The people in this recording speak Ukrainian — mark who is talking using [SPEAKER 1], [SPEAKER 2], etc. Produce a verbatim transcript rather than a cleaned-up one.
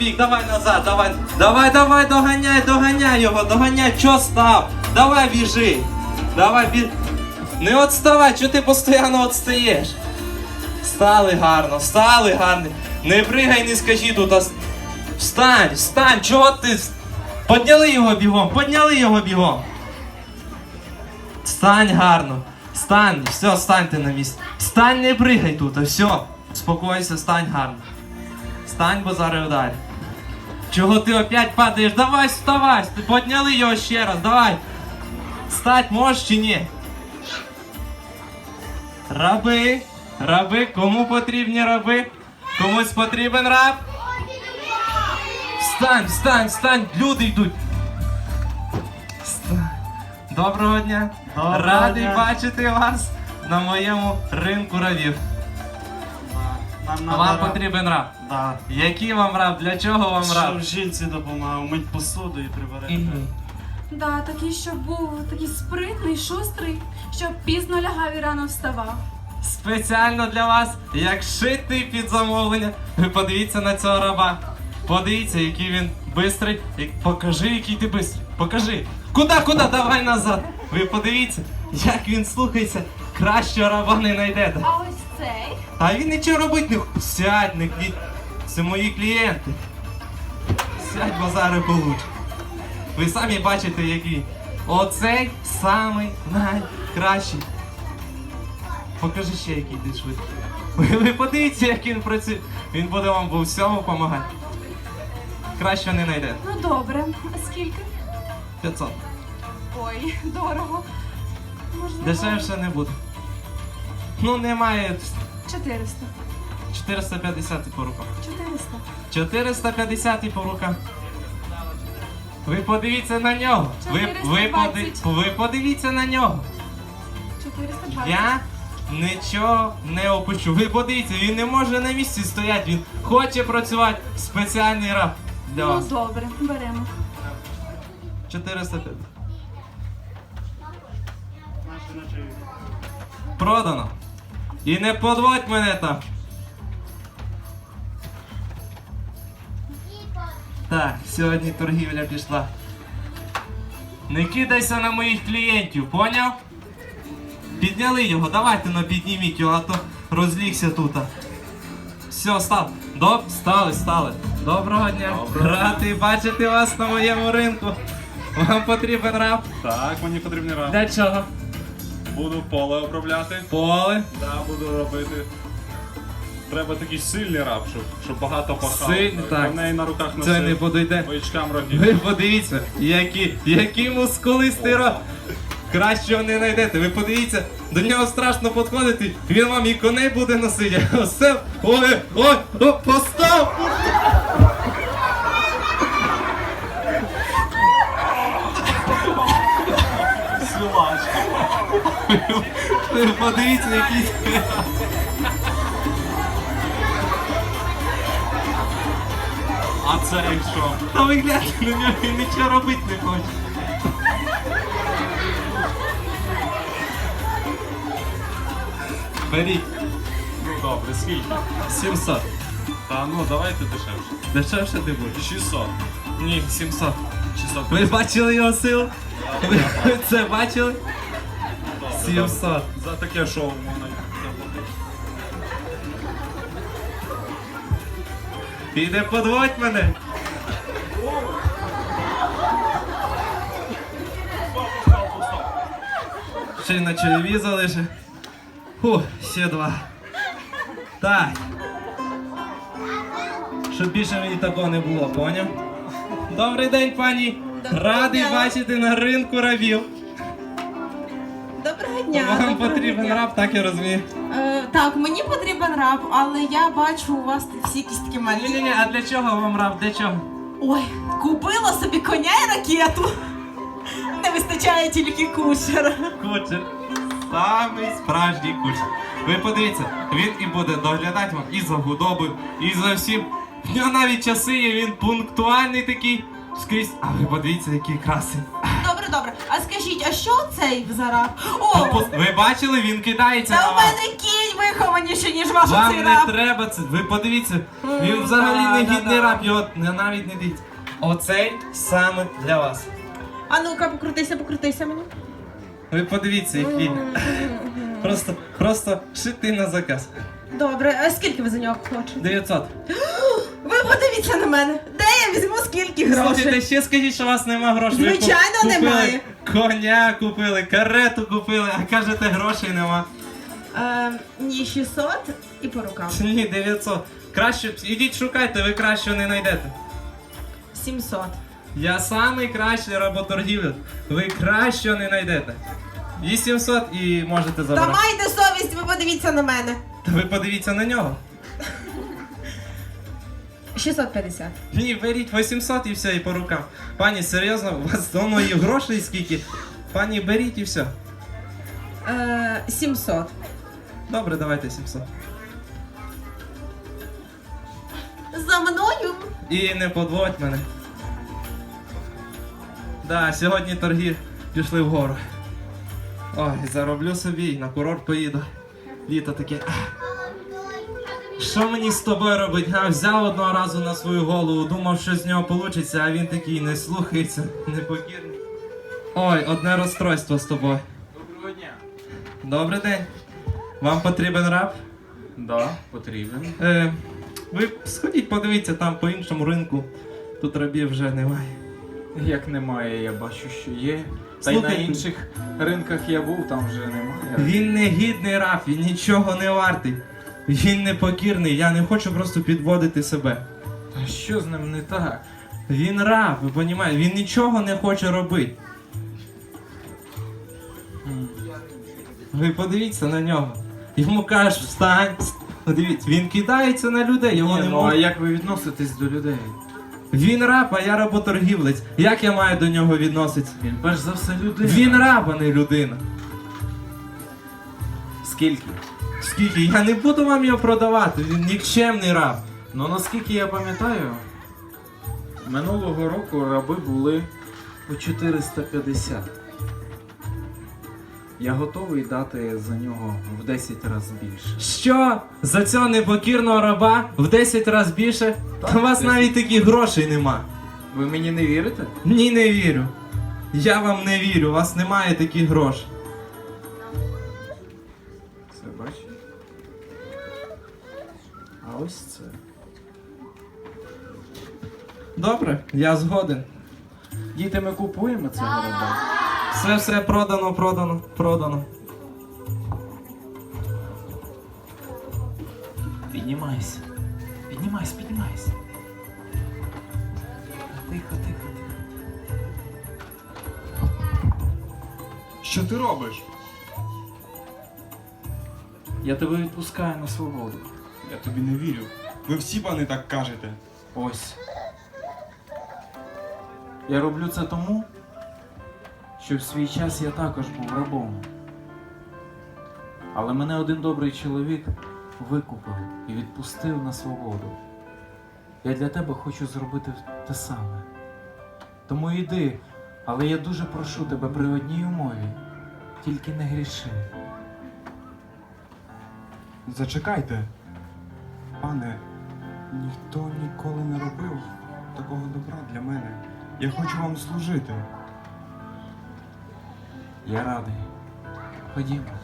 [SPEAKER 1] Бік, давай назад, давай, давай, давай, доганяй, доганяй його, доганяй, чо став? Давай біжи, давай біж. Не відставай, чого ти постійно відстаєш? Стали гарно, стали гарно. Не пригай, не скажи тут, а... Встань, встань, чого ти? Подняли його бігом, подняли його бігом. Стань гарно, стань, все, станьте на місці. Стань, не пригай тут, а все. Спокойся, стань гарно. Стань, бо зараз ударь. Чого ти опять падаєш? Давай, вставай, подняли його ще раз, давай. Стать можеш чи ні? Раби, раби, кому потрібні раби? Комусь потрібен раб? Встань, встань, встань, люди йдуть. Встань. Доброго дня.
[SPEAKER 2] Доброго
[SPEAKER 1] Радий
[SPEAKER 2] дня.
[SPEAKER 1] бачити вас на моєму ринку рабів.
[SPEAKER 2] Нам
[SPEAKER 1] А
[SPEAKER 2] надо
[SPEAKER 1] вам
[SPEAKER 2] раб.
[SPEAKER 1] потрібен раб?
[SPEAKER 2] Да.
[SPEAKER 1] Який вам раб? Для чого вам раб?
[SPEAKER 2] Щоб жінці допомагав, мить посуду і прибирати.
[SPEAKER 1] Мгм.
[SPEAKER 3] Да, такий, щоб був такий спритний, шустрий, щоб пізно лягав і рано вставав.
[SPEAKER 1] Спеціально для вас, як шитий під замовлення. Ви подивіться на цього раба. Подивіться, який він бистрий. І покажи, який ти бистрий. Покажи. Куди, куди? Давай назад. Ви подивіться, як він слухається. Кращого раба не знайдете.
[SPEAKER 3] А ось цей?
[SPEAKER 1] А він нічого робить не хоче. Сядь, не клі... Це мої клієнти. Сядь, бо зараз получиш. Ви самі бачите, який. Оцей самий найкращий. Покажи ще, який ти швидкий. Ви, ви подивіться, як він працює. Він буде вам по всьому допомагати. Краще не знайдете.
[SPEAKER 3] Ну добре. А скільки?
[SPEAKER 1] п'ятсот.
[SPEAKER 3] Ой, дорого. Можливо,
[SPEAKER 1] Дешевше не буде. Ну, немає.
[SPEAKER 3] чотириста.
[SPEAKER 1] чотириста п'ятдесят по рукам.
[SPEAKER 3] чотириста.
[SPEAKER 1] чотириста п'ятдесят по рукам. Ви подивіться на нього. Ви, ви,
[SPEAKER 3] чотириста
[SPEAKER 1] поди,
[SPEAKER 3] двадцять.
[SPEAKER 1] ви подивіться на нього.
[SPEAKER 3] чотириста двадцять.
[SPEAKER 1] Я нічого не опущу. Ви подивіться, він не може на місці стояти. Він хоче працювати. Спеціальний раб для
[SPEAKER 3] Ну
[SPEAKER 1] вас.
[SPEAKER 3] добре, беремо.
[SPEAKER 1] чотириста п'ятдесят.
[SPEAKER 2] Наші ночі.
[SPEAKER 1] Продано. І не подводь мене там. Так, сьогодні торгівля пішла. Не кидайся на моїх клієнтів, поняв? Підняли його, давайте ну підніміть його, а то розлігся тут. Все, став. Доб, стали, стали. Доброго дня. Радий бачити вас на моєму ринку. Вам потрібен раб?
[SPEAKER 4] Так, мені потрібний раб.
[SPEAKER 1] Для чого?
[SPEAKER 4] Буду поле обробляти.
[SPEAKER 1] Поле.
[SPEAKER 4] Да, буду робити. Треба такий сильний раб, щоб, щоб багато пахав.
[SPEAKER 1] Сильний, так.
[SPEAKER 4] В неї на руках
[SPEAKER 1] Це не
[SPEAKER 4] носив
[SPEAKER 1] подойде.
[SPEAKER 4] воячкам рогів.
[SPEAKER 1] Ви подивіться, які, які мускулисті роб. Кращого не знайдете. Ви подивіться, до нього страшно підходити. Він вам і коней буде носити. Все. Ой, ой, ой, постав!
[SPEAKER 4] Силачка.
[SPEAKER 1] Ви подивіться, який.
[SPEAKER 4] А це якщо?
[SPEAKER 1] Та ви гляньте на нього, він нічого робити не хоче. Беріть.
[SPEAKER 4] Ну добре, скільки?
[SPEAKER 1] сімсот.
[SPEAKER 4] Та ну давайте дешевше.
[SPEAKER 1] Дешевше ти будеш?
[SPEAKER 4] шістсот.
[SPEAKER 1] Ні, сімсот.
[SPEAKER 4] шістсот.
[SPEAKER 1] Ви бачили його силу? Ви це бачили? сімсот.
[SPEAKER 4] За таке шоу можна заплатити.
[SPEAKER 1] Піде подводь мене. Ще й на чайові залишив. Фу, ще два. Так. Щоб більше мені такого не було, поняв? Добрий день, пані. Радий бачити на ринку рабів.
[SPEAKER 5] Доброго дня.
[SPEAKER 1] Вам
[SPEAKER 5] доброго
[SPEAKER 1] потрібен
[SPEAKER 5] дня.
[SPEAKER 1] раб, так я розумію.
[SPEAKER 5] Е, так, мені потрібен раб, але я бачу у вас всі кістки малі.
[SPEAKER 1] Ні-ні-ні, а для чого вам раб? Для чого?
[SPEAKER 5] Ой, купила собі коня і ракету. Не вистачає тільки кучера.
[SPEAKER 1] Кучер. Самий справжній кучер. Ви подивіться, він і буде доглядати вам і за худобою, і за всім. В нього навіть часи є, він пунктуальний такий скрізь. А ви подивіться, який красивий.
[SPEAKER 5] Добре, добре. А скажіть, а що цей за раб? О,
[SPEAKER 1] Ви бачили, він кидається
[SPEAKER 5] та
[SPEAKER 1] на
[SPEAKER 5] у
[SPEAKER 1] вас.
[SPEAKER 5] мене кінь вихованіші, ніж ваша
[SPEAKER 1] Вам
[SPEAKER 5] цей
[SPEAKER 1] не
[SPEAKER 5] раб.
[SPEAKER 1] треба це. Ви подивіться, він
[SPEAKER 5] М,
[SPEAKER 1] взагалі
[SPEAKER 5] да,
[SPEAKER 1] не
[SPEAKER 5] да,
[SPEAKER 1] гідний
[SPEAKER 5] да.
[SPEAKER 1] раб, його не- навіть не дивіться. Оцей саме для вас.
[SPEAKER 5] А ну-ка, покрутися, покрутися мені.
[SPEAKER 1] Ви подивіться, який. Просто, просто шити на заказ.
[SPEAKER 5] Добре, а скільки ви за нього хочете?
[SPEAKER 1] дев'ятсот.
[SPEAKER 5] Ви подивіться на мене. Де я візьму скільки
[SPEAKER 1] Слухайте,
[SPEAKER 5] грошей?
[SPEAKER 1] ще скажіть, що у вас нема грошей. Ви
[SPEAKER 5] Звичайно,
[SPEAKER 1] ку- купили
[SPEAKER 5] немає.
[SPEAKER 1] Коня купили, карету купили, а кажете, грошей нема.
[SPEAKER 5] Е, ні, шістсот і по рукам.
[SPEAKER 1] Ні, дев'ятсот. Краще, ідіть шукайте, ви кращого не знайдете.
[SPEAKER 5] сімсот.
[SPEAKER 1] Я самий кращий работоргівець. Ви кращого не знайдете. вісімсот і можете
[SPEAKER 5] Та
[SPEAKER 1] забрати.
[SPEAKER 5] майте совість, ви подивіться на мене.
[SPEAKER 1] Та ви подивіться на нього.
[SPEAKER 5] шістсот п'ятдесят.
[SPEAKER 1] Ні, беріть вісімсот і все, і по рукам. Пані, серйозно, у вас давно є грошей скільки? Пані, беріть і все.
[SPEAKER 5] Е, сімсот.
[SPEAKER 1] Добре, давайте сімсот.
[SPEAKER 5] За мною.
[SPEAKER 1] І не подводь мене. Да, сьогодні торги пішли вгору. Ой, зароблю собі і на курорт поїду. Літо таке. Що мені з тобою робить? А, взяв одного разу на свою голову, думав, що з нього вийде, а він такий не слухається, непокірний. Ой, одне розстройство з тобою.
[SPEAKER 4] Доброго дня.
[SPEAKER 1] Добрий день. Вам потрібен раб?
[SPEAKER 4] Да, потрібен.
[SPEAKER 1] Е, ви сходіть, подивіться там по іншому ринку. Тут рабів вже немає.
[SPEAKER 4] Як немає, я бачу, що є. Та й на
[SPEAKER 1] Слухайте.
[SPEAKER 4] інших ринках я був, там вже немає.
[SPEAKER 1] Він не гідний раб, він нічого не вартий. Він непокірний, я не хочу просто підводити себе.
[SPEAKER 4] Та що з ним не так?
[SPEAKER 1] Він раб, ви розумієте, він нічого не хоче робити.
[SPEAKER 4] М.
[SPEAKER 1] Ви подивіться на нього. Йому кажуть, встань. Подивіться, він кидається на людей, його
[SPEAKER 4] Ні,
[SPEAKER 1] не
[SPEAKER 4] ну а
[SPEAKER 1] можна.
[SPEAKER 4] як ви відноситесь до людей?
[SPEAKER 1] Він раб, а я работоргівець. Як я маю до нього відноситися?
[SPEAKER 4] Він перш за все людина.
[SPEAKER 1] Він раб, а не людина.
[SPEAKER 4] Скільки?
[SPEAKER 1] Скільки? Я не буду вам його продавати, він нікчемний раб.
[SPEAKER 4] Ну наскільки я пам'ятаю, минулого року раби були по чотириста п'ятдесят. Я готовий дати за нього в десять разів більше.
[SPEAKER 1] Що? За цього непокірного раба в десять разів більше?
[SPEAKER 4] Так,
[SPEAKER 1] У вас
[SPEAKER 4] десять.
[SPEAKER 1] навіть таких грошей нема.
[SPEAKER 4] Ви мені не вірите?
[SPEAKER 1] Ні, не вірю. Я вам не вірю, у вас немає таких грошей.
[SPEAKER 4] Це бачите? А ось це.
[SPEAKER 1] Добре, я згоден.
[SPEAKER 4] Діти, ми купуємо цього раба.
[SPEAKER 1] Все, все продано, продано, продано.
[SPEAKER 4] Піднімайся. Піднімайся, піднімайся. Тихо, тихо, тихо.
[SPEAKER 6] Що ти робиш?
[SPEAKER 4] Я тебе відпускаю на свободу.
[SPEAKER 6] Я тобі не вірю. Ви всі пани так кажете.
[SPEAKER 4] Ось. Я роблю це тому, що в свій час я також був рабом. Але мене один добрий чоловік викупив і відпустив на свободу. Я для тебе хочу зробити те саме. Тому йди, але я дуже прошу тебе при одній умові. Тільки не гріши.
[SPEAKER 6] Зачекайте. Пане, ніхто ніколи не робив такого добра для мене. Я хочу вам служити.
[SPEAKER 4] Я радий. Ходімо.